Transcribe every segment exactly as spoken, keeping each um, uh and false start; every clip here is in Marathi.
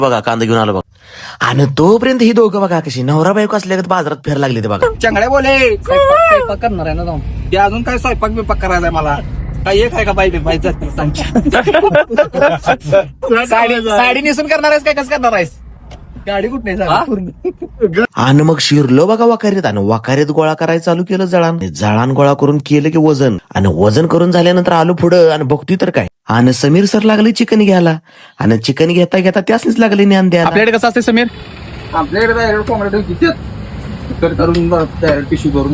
बघा कांदा घेऊन आलो बघा. आणि तोपर्यंत ही दोघं बघा कशी नवरा बायको असल्या बाजारात फेर लागले ते बघा. चांगल्या बोले स्वयंपाक स्वयंपाक करणार आहे ना जाऊन ते अजून काय स्वयंपाक बिपाक करायचा आहे मला काय एक आहे का बाई बाई जात साडी साडी नेसून करणार आहेस काय कसं करणार आहेस गाडी कुठे नाही. आणि मग शिरलो बघा वाकारीत आणि वाकारीत गोळा करायला चालू केलं जळान. जळान गोळा करून केलं की वजन आणि वजन करून झाल्यानंतर आलो पुढं आणि बघतोय तर काय आणि समीर सर लागले चिकन घ्यायला आणि चिकन घेता घेता त्यासनीच लागले ज्ञान द्यायला. आपल्याकडे कसं असते समीर आपल्याकडे कोंबड्या किती करून टिश्यू करून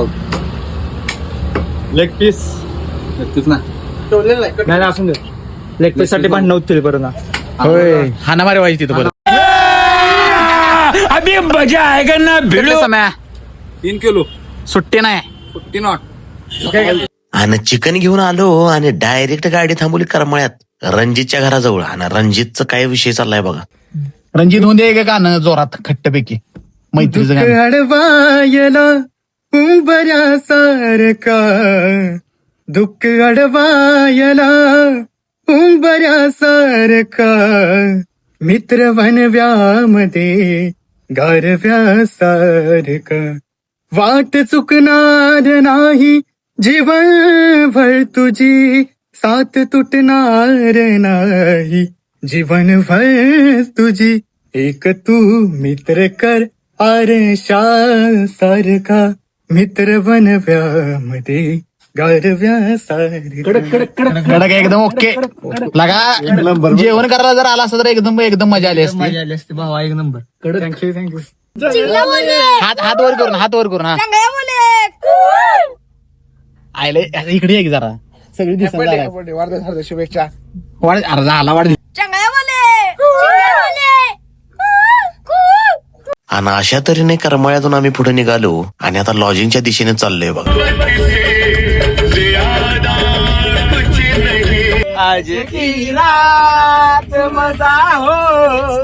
लेग पीस ना नाही असून दे लेग पीस साठी भांडण होतील बरं ना. होय हाना मारे व्हायची तिथं बरं अभी मजा आएगा ना भिडो समय तीन किलो सुट्टी नाही सुट्टी नॉट. आणि चिकन घेऊन आलो आणि डायरेक्ट गाडी थांबवली करमळ्यात रणजितच्या घराजवळ. आणि रणजितचं काय विषय चाललाय बघा. रणजित होऊन दे गाणं जोरात खट्टपैकी मैत्रीचं गाणं. अडवायला उंबऱ्या सारखा दुःख अडवायला उंबऱ्या सारखा मित्र वनव्यामध्ये गारव्या सारखा वाट चुकणार नाही जीवनभर तुझी साथ तुटणार नाही जीवनभर तुझी एक तू मित्र कर आरशा सारखा मित्र बनव्यामध्ये गारव्या सारखा. कडक एकदम ओके लगा जेवण करायला जर आला असं तर एकदम एकदम मजा आली असती मजा आली असते भावा एक नंबर. Thank you thank you. हात हात वर करून हात वर करून हा आयले इकडे एक जरा सगळी दिसत शुभेच्छा वाढ अर्धा आला वाढ. आणि अशा तऱ्हेने करमाळ्यातून आम्ही पुढे निघालो आणि आता लॉजिंगच्या दिशेने चाललोय बघा. आज की रात मजा हो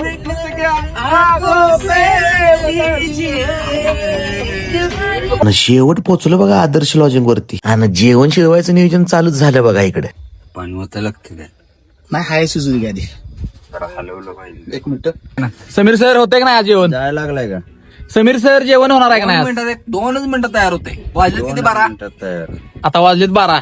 आणि शेवट पोचलो बघा आदर्श लॉजिंग वरती आणि जेवण शिजवायचं नियोजन चालूच झालं बघा इकडे. पण होतं लागतं काय नाही हाय सुजू गाडी एक मिनिट. समीर सर होते का नाही आज जेवण जायला लागलाय का समीर सर जेवण होणार आहे का नाही मिनिटात एक दोनच मिनिटं तयार होते वाजले किती बारा तयार आता वाजलेत बारा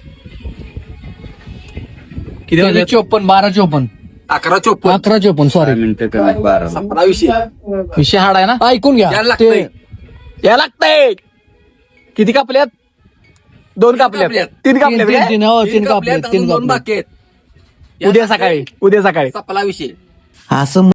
किती वाजले चोपन्न बारा चोपन्न अकरा चोपन्न अकरा चोपन्न सॉरी मिनिटं कमी बारा सतरा विषय विषय हाड आहे ना ऐकून घ्या यायला लागतंय. ते- यायला लागतंय किती कापल्यात दोन कापल्यात कापल्यात. तीन कापल्यात तीन- काय? तीन तीन कापल्यात, कापल्यात तीन अजून दोन कापल्यात बाकी आहेत उद्या सकाळी उद्या सकाळी सपला विषय असं